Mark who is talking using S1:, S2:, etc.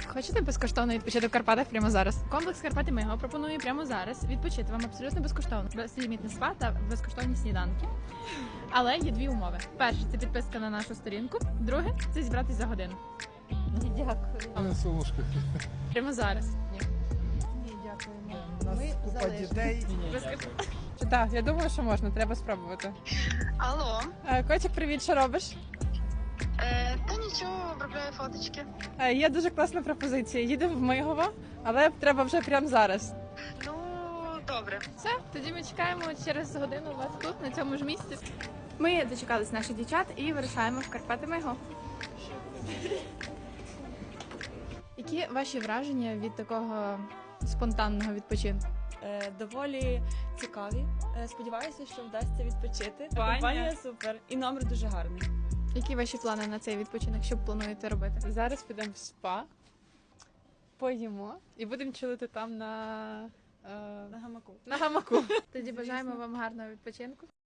S1: Хочете безкоштовно відпочити в Карпатах прямо зараз? Комплекс Карпати Миго пропонує прямо зараз відпочити вам абсолютно безкоштовно. Безлімітне спа та безкоштовні сніданки. Але є дві умови. Перше – це підписка на нашу сторінку. Друге – це зібратись за годину.
S2: Не солошка.
S1: Прямо зараз.
S3: Ні, дякуємо.
S2: У нас
S3: Ми
S2: купа
S3: залежні.
S2: дітей.
S4: Так, я думаю, що можна, треба спробувати.
S5: Алло,
S4: Котик, привіт, що робиш?
S5: та нічого, обробляю фоточки.
S4: Є дуже класна пропозиція. Їдемо в Мигово, але треба вже прямо зараз.
S5: Ну, добре.
S1: Все, тоді ми чекаємо через годину вас тут, на цьому ж місці. Ми дочекались наших дівчат і вирушаємо в Карпати Миго. Які ваші враження від такого спонтанного відпочинку?
S6: Доволі цікаві. Сподіваюся, що вдасться відпочити.
S4: Баня.
S6: Компанія супер і номер дуже гарний.
S1: Які ваші плани на цей відпочинок? Що плануєте робити?
S4: Зараз підемо в спа, поїмо і будемо чилити там на
S6: На гамаку.
S4: гамаку.
S1: Тоді бажаємо вам гарного відпочинку.